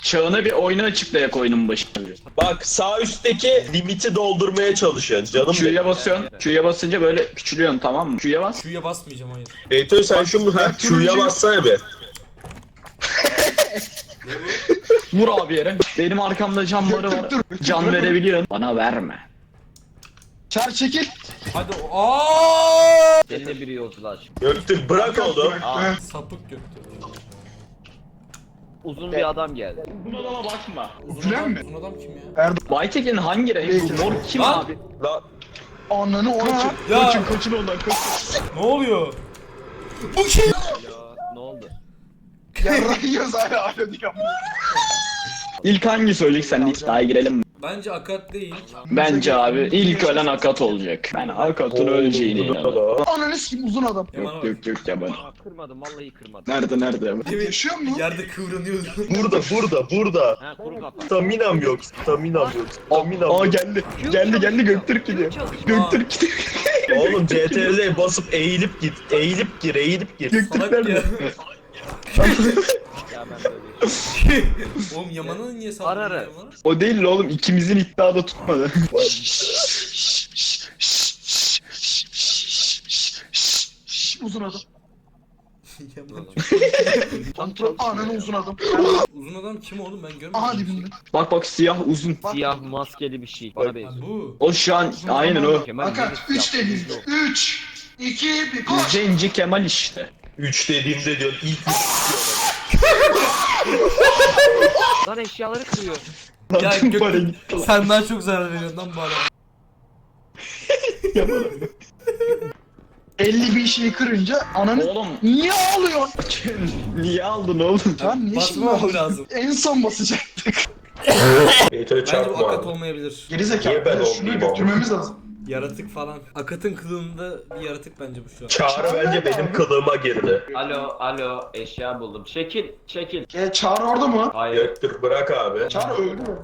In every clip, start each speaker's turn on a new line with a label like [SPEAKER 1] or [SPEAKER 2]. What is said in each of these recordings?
[SPEAKER 1] Çağına bir oyunu açıklayak oyunun başında.
[SPEAKER 2] Bak sağ üstteki limiti doldurmaya çalışıyorsun canım benim.
[SPEAKER 1] Q'ya basıyorsun. Q'ya basınca böyle küçülüyorsun, tamam mı? Q'ya bas.
[SPEAKER 3] Q'ya basmayacağım, hayır.
[SPEAKER 2] Beytoy sen şunu Q'ya bassana bir.
[SPEAKER 1] Vur abi yere. Benim arkamda can barı var. Can verebiliyorsun. Bana verme.
[SPEAKER 4] Çağır çekil.
[SPEAKER 3] Hadi aaa!
[SPEAKER 5] Seninle biri yolculuğa çık.
[SPEAKER 2] Göktürk bırak oğlum.
[SPEAKER 3] Sapık göktü.
[SPEAKER 5] Uzun bir adam geldi.
[SPEAKER 1] Buna adama bakma.
[SPEAKER 3] Uzun
[SPEAKER 4] Gülen
[SPEAKER 3] adam,
[SPEAKER 4] mi?
[SPEAKER 3] uzun adam kim ya?
[SPEAKER 4] Erdoğan.
[SPEAKER 1] Baytekin hangi renk? Bu mor kim
[SPEAKER 3] Lan!
[SPEAKER 1] abi?
[SPEAKER 2] Lan
[SPEAKER 4] Ananı oraya.
[SPEAKER 3] Ya
[SPEAKER 1] Kaçın ondan kaçın.
[SPEAKER 3] ne oluyor? Bu kim?
[SPEAKER 5] Ya ne oldu?
[SPEAKER 4] Yarrayıyoruz hala diyor.
[SPEAKER 1] İlk hangi söyleyecek sen iddiaya girelim mi?
[SPEAKER 3] Bence Akat değil.
[SPEAKER 1] Bence abi ilk ölen Akat olacak. Ben Akat'ın öleceğine inanıyorum.
[SPEAKER 4] Ananı sikim uzun adam.
[SPEAKER 3] Yaman
[SPEAKER 1] Yok
[SPEAKER 3] abi.
[SPEAKER 1] yok yok ya ben.
[SPEAKER 5] Kırmadım vallahi kırmadım.
[SPEAKER 1] Nerede?
[SPEAKER 4] Yaşıyor mu?
[SPEAKER 3] Yerde kıvranıyordu.
[SPEAKER 2] burada.
[SPEAKER 5] Ha kuru kafa.
[SPEAKER 2] Staminam yok.
[SPEAKER 1] Aa geldi Göktürk gidiyor. Göktürk gidiyor.
[SPEAKER 2] Oğlum CTRL'ye basıp eğilip git. Eğilip gir.
[SPEAKER 1] Göktürk
[SPEAKER 3] Salak ya.
[SPEAKER 1] nerede?
[SPEAKER 5] Ya ben böyle.
[SPEAKER 3] Oğlum Yaman'ın niye saldırdın
[SPEAKER 5] Ara.
[SPEAKER 3] Yaman'a?
[SPEAKER 1] O değil oğlum, ikimizin iddiada tutmadı.
[SPEAKER 4] Uzun adam.
[SPEAKER 3] Yaman.
[SPEAKER 4] Kontrol ananı uzun adam.
[SPEAKER 3] Uzun adam kim oğlum, ben görmedim.
[SPEAKER 4] Aha dibinde.
[SPEAKER 1] Bak siyah uzun.
[SPEAKER 5] Siyah maskeli bir şey. Bana
[SPEAKER 3] Ha,
[SPEAKER 5] benziyor.
[SPEAKER 3] bu.
[SPEAKER 1] O şu an aynen o.
[SPEAKER 5] Kemal
[SPEAKER 4] Fakat
[SPEAKER 5] Yıldız
[SPEAKER 4] 3
[SPEAKER 5] yaptı.
[SPEAKER 4] dediğinde. 3, 2, 1 koş.
[SPEAKER 1] Zenci Kemal işte.
[SPEAKER 2] 3 dediğimde diyor ilk
[SPEAKER 5] Lan eşyaları kırıyor.
[SPEAKER 3] Ya
[SPEAKER 1] Tüm para
[SPEAKER 3] Göktürk
[SPEAKER 1] gitti lan.
[SPEAKER 3] sen daha çok zarar veriyorsun lan bu adama.
[SPEAKER 4] 50 bin şeyi kırınca ananı
[SPEAKER 1] Oğlum
[SPEAKER 4] niye ağlıyorsun?
[SPEAKER 1] niye aldın oğlum?
[SPEAKER 4] Lan niye şimdi
[SPEAKER 3] Basmamam
[SPEAKER 4] ağlıyorsun?
[SPEAKER 3] lazım.
[SPEAKER 4] En son basacaktık.
[SPEAKER 2] Beytoy
[SPEAKER 3] Bence bu
[SPEAKER 2] çarpma
[SPEAKER 3] Akat
[SPEAKER 2] abi.
[SPEAKER 3] olmayabilir.
[SPEAKER 4] Gerizekalı.
[SPEAKER 2] Niye ben
[SPEAKER 4] Şunu
[SPEAKER 2] olmayayım
[SPEAKER 4] götürmemiz lazım.
[SPEAKER 3] Yaratık falan. Akat'ın kılığında bir yaratık bence bu şu an.
[SPEAKER 2] Çağrı bence benim kılığıma girdi.
[SPEAKER 5] Alo eşya buldum. Çekil.
[SPEAKER 4] Çağrı orada mı?
[SPEAKER 5] Hayır.
[SPEAKER 2] Göktürk bırak abi.
[SPEAKER 4] Çağrı öldü mü?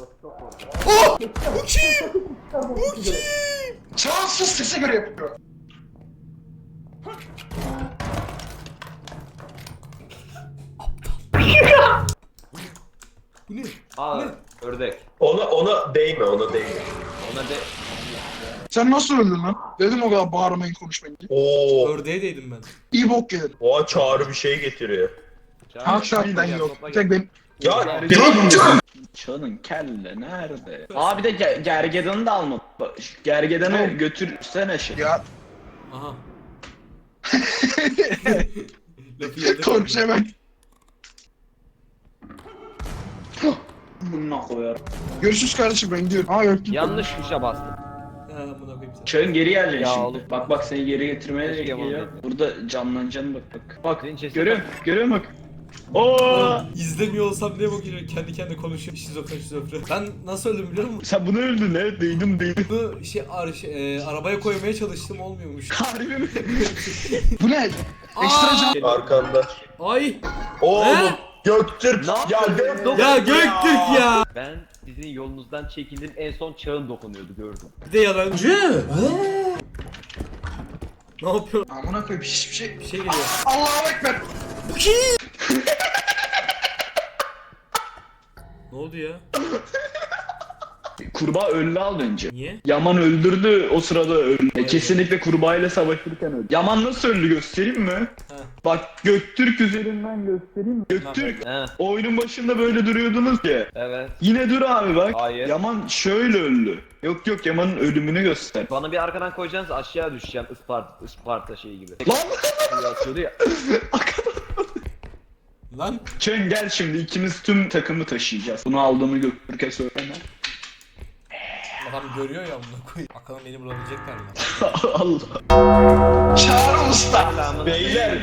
[SPEAKER 3] Bu kim? Bu kim?
[SPEAKER 4] Çağrı sus sese göre yapıyor.
[SPEAKER 3] Bu ne?
[SPEAKER 5] Aa ördek.
[SPEAKER 2] Ona değme.
[SPEAKER 5] Ona de.
[SPEAKER 4] Sen nasıl öldün lan? Dedim o kadar bağırmayın konuşmayın diye.
[SPEAKER 2] Oo.
[SPEAKER 3] Ördeğe değdim ben.
[SPEAKER 4] İyi bok gelir.
[SPEAKER 2] Oha Çağrı bir şey getiriyor.
[SPEAKER 4] Hakikaten yok. Tek benim.
[SPEAKER 2] Ya
[SPEAKER 1] Çağının kelle nerede? Abi de gergedanı da alma. Bak, gergedanı götürsene şey.
[SPEAKER 4] Ya
[SPEAKER 3] Aha. Lafı yerde
[SPEAKER 4] konuşamam.
[SPEAKER 1] Bununla koyar.
[SPEAKER 4] Görüşürüz kardeşim ben gidiyorum. Aa yok git.
[SPEAKER 5] Yanlış tuşa bastım.
[SPEAKER 3] Ha buna koyayım sen.
[SPEAKER 1] Çağın geri geleceksin
[SPEAKER 5] Ya
[SPEAKER 1] şimdi.
[SPEAKER 5] oğlum.
[SPEAKER 1] Bak seni geri getirmeye
[SPEAKER 5] Keşke
[SPEAKER 1] geliyor.
[SPEAKER 5] yapamadım.
[SPEAKER 1] Burada canlanacaksın bak. Bak
[SPEAKER 5] Senin cesedin-
[SPEAKER 1] görüyor musun bak. Oo!
[SPEAKER 3] İzlemiyor olsam diye bakıyor, kendi kendine konuşuyor. Şizofren. Ben nasıl öldüm biliyor musun?
[SPEAKER 1] Sen bunu öldün ne? Değdim.
[SPEAKER 3] Bunu arabaya koymaya çalıştım, olmuyormuş.
[SPEAKER 1] Harbi mi?
[SPEAKER 4] Bu ne? Ekstra can.
[SPEAKER 2] arkanda.
[SPEAKER 3] Ay!
[SPEAKER 2] Oğlum Göktürk.
[SPEAKER 5] Ne
[SPEAKER 2] Ya
[SPEAKER 5] yaptın?
[SPEAKER 2] Göktürk.
[SPEAKER 3] Ya Göktürk ya!
[SPEAKER 5] Ben sizin yolunuzdan çekildim, en son çağın dokunuyordu gördüm.
[SPEAKER 3] Bir de yalancı. Ne yapıyor?
[SPEAKER 4] Amına koyayım hiçbir şey.
[SPEAKER 3] Bir şey geliyor.
[SPEAKER 4] Allahu ekber.
[SPEAKER 3] Bu kim? Ne oldu ya?
[SPEAKER 1] Kurbağa öldü az önce.
[SPEAKER 3] Niye?
[SPEAKER 1] Yaman öldürdü o sırada öldü. Kesinlikle kurbağayla savaşırken öldü. Yaman nasıl öldü göstereyim mi?
[SPEAKER 3] He.
[SPEAKER 1] Bak Göktürk üzerinden göstereyim mi? Göktürk
[SPEAKER 5] He
[SPEAKER 1] oyunun başında böyle duruyordunuz ya.
[SPEAKER 5] evet.
[SPEAKER 1] Yine dur abi bak.
[SPEAKER 5] Hayır.
[SPEAKER 1] Yaman şöyle öldü. Yok Yaman'ın ölümünü göster.
[SPEAKER 5] Bana bir arkadan koyacaksınız aşağı düşeceğim Isparta şeyi gibi.
[SPEAKER 1] Lan!
[SPEAKER 5] Atıyordu ya.
[SPEAKER 3] Lan
[SPEAKER 1] Çön gel şimdi ikimiz tüm takımı taşıyacağız. Bunu aldığımı Göktürk'e söyleme.
[SPEAKER 3] adam görüyor ya, bunu koy. Bakalım beni bulabilecekler mi?
[SPEAKER 1] Allah.
[SPEAKER 4] Çağrı usta.
[SPEAKER 2] Beyler.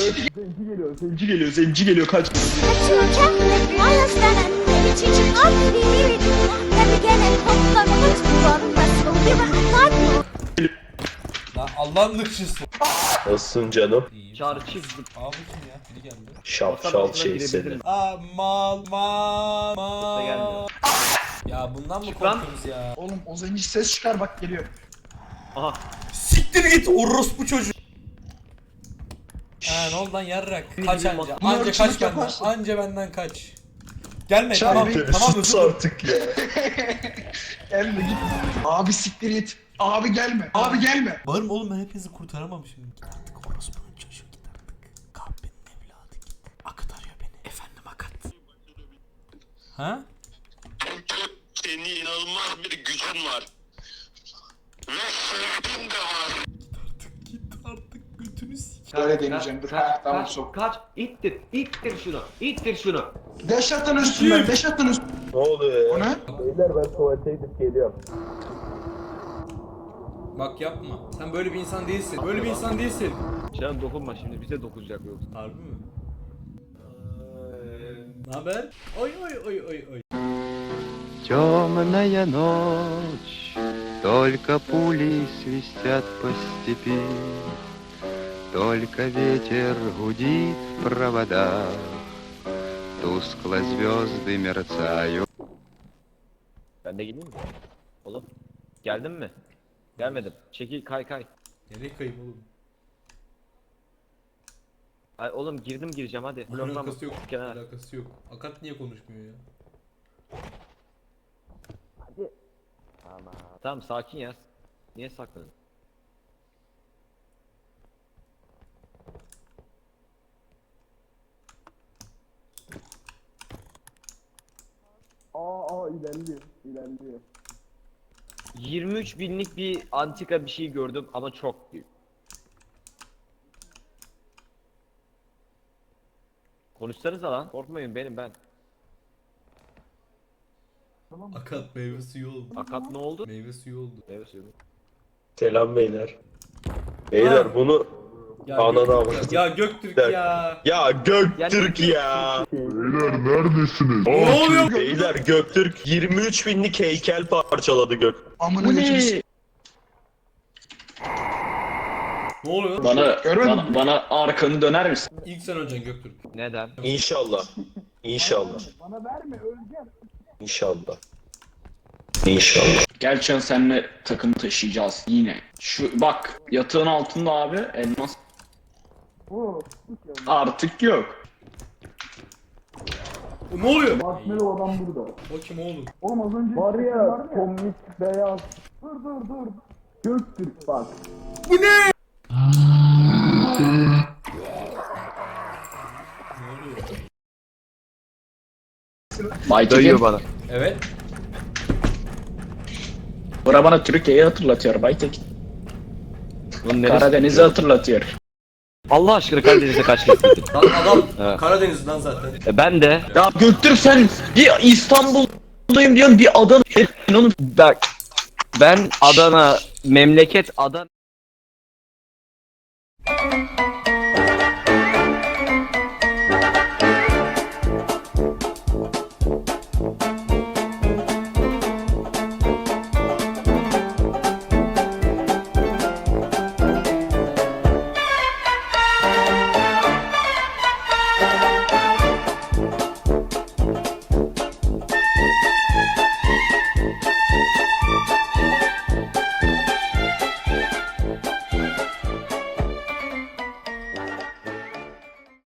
[SPEAKER 1] Zenci geliyor kaç.
[SPEAKER 6] Kaçırken ayazlanan beni çiçek affedildi. Tabi gene koklarımız duvarında bir rahatlar mı?
[SPEAKER 3] Lan Allah'ın lıkçısı.
[SPEAKER 2] Nasılsın canım?
[SPEAKER 3] İyi.
[SPEAKER 5] Çağrı çizdim.
[SPEAKER 3] Aa bu kim ya? Biri geldi.
[SPEAKER 2] Şapşal şey seni.
[SPEAKER 3] Aa mal.
[SPEAKER 5] gelmiyor.
[SPEAKER 3] Ya bundan mı
[SPEAKER 5] Çık lan.
[SPEAKER 3] korkuyoruz ya?
[SPEAKER 4] Oğlum o zenci ses çıkar bak geliyor.
[SPEAKER 5] Aha.
[SPEAKER 3] Siktir git orospu çocuğu. Ha ne oldu lan yarrak? Kaç anca.
[SPEAKER 4] Bunu
[SPEAKER 3] Anca
[SPEAKER 4] ırkçılık
[SPEAKER 3] kaç benden.
[SPEAKER 4] yaparsın.
[SPEAKER 3] Anca benden kaç. Gelme
[SPEAKER 4] Çağır
[SPEAKER 3] tamam
[SPEAKER 4] beni.
[SPEAKER 3] tamam
[SPEAKER 2] Sus
[SPEAKER 3] özür
[SPEAKER 2] artık ya.
[SPEAKER 4] Gelme git. Abi siktir git. Abi gelme. Abi gelme.
[SPEAKER 3] Bağırma oğlum, ben hepinizi kurtaramam şimdi. Git artık orospunun çocuğu, git artık. Kahpenin evladı git. Akat arıyor beni. Efendim Akat. Ha?
[SPEAKER 7] Senin inanılmaz bir gücün var. Ve sevgin de var.
[SPEAKER 3] Git artık götünü sik.
[SPEAKER 4] Böyle deneyeceğim. Dur. Ha, tamam
[SPEAKER 5] kaç,
[SPEAKER 4] sok.
[SPEAKER 5] kaç, ittir şunu, ittir şunu.
[SPEAKER 4] Deşatın üstünden. Deşatın üstünden.
[SPEAKER 2] Ne oluyor
[SPEAKER 4] O
[SPEAKER 2] ya?
[SPEAKER 4] ne?
[SPEAKER 2] Beyler ben tuvalete gidip geliyorum.
[SPEAKER 3] Bak yapma. Sen böyle bir insan değilsin. Böyle bir insan değilsin.
[SPEAKER 5] Çağın dokunma şimdi, bize dokunacak yoksa.
[SPEAKER 3] Harbi mi? Ne haber? Oy oy oy oy oy.
[SPEAKER 8] Темная ночь, только пули свистят по степи, только ветер гудит в проводах, тускло звезды мерцают.
[SPEAKER 5] Ben de geleyim mi? Oğlum, geldin mi? Gelmedim. Çekil, kay.
[SPEAKER 3] Nereye kayıp oğlum?
[SPEAKER 5] Ay oğlum gireceğim hadi.
[SPEAKER 3] Alakası yok.
[SPEAKER 5] Kenara.
[SPEAKER 3] Alakası yok. Akat niye konuşmuyor ya?
[SPEAKER 5] Tamam sakin ya. Niye sakladın? ilerliyor. 23 binlik bir antika bir şey gördüm ama çok büyük. Konuşsanıza lan. Korkmayın benim ben.
[SPEAKER 3] Akat meyve suyu oldu.
[SPEAKER 5] Akat ne oldu?
[SPEAKER 3] Meyve suyu oldu.
[SPEAKER 5] Evet söylüyorum.
[SPEAKER 2] Selam beyler. Beyler
[SPEAKER 3] Ha.
[SPEAKER 2] bunu
[SPEAKER 3] Ya
[SPEAKER 2] ananı
[SPEAKER 3] Göktürk,
[SPEAKER 2] avradım.
[SPEAKER 3] ya Göktürk ya.
[SPEAKER 2] Ya Göktürk ya.
[SPEAKER 3] Ne oluyor?
[SPEAKER 2] Beyler Göktürk 23 binlik heykel parçaladı Gök.
[SPEAKER 4] Amına
[SPEAKER 1] Bu
[SPEAKER 4] götünü
[SPEAKER 1] ne?
[SPEAKER 4] s-
[SPEAKER 3] Ne oluyor?
[SPEAKER 1] Bana arkanı döner misin?
[SPEAKER 3] İlk sen öleceksin Göktürk.
[SPEAKER 5] Neden?
[SPEAKER 2] İnşallah. İnşallah. İnşallah. İnşallah.
[SPEAKER 1] Gel Çağın, seninle takım taşıyacağız yine. Şu bak yatağın altında abi elmas. Artık yok.
[SPEAKER 3] Ne oluyor? Bakmıyor adam burada. O kim oğlum?
[SPEAKER 1] Baytekin.
[SPEAKER 5] bana.
[SPEAKER 3] Evet.
[SPEAKER 1] Bura bana Türkiye'yi hatırlatıyor Baytekin.
[SPEAKER 5] Bunun neresi?
[SPEAKER 1] Karadeniz'i hatırlatıyor.
[SPEAKER 5] Allah aşkına Karadeniz'e kaç kez gittin?
[SPEAKER 3] Lan adam
[SPEAKER 5] Evet.
[SPEAKER 3] Karadeniz'den zaten.
[SPEAKER 5] Ben de.
[SPEAKER 1] Ya Göktürk, sen bir İstanbul'dayım diyorsun, bir Adana. Onun
[SPEAKER 5] Bak. Ben Adana, memleket Adana.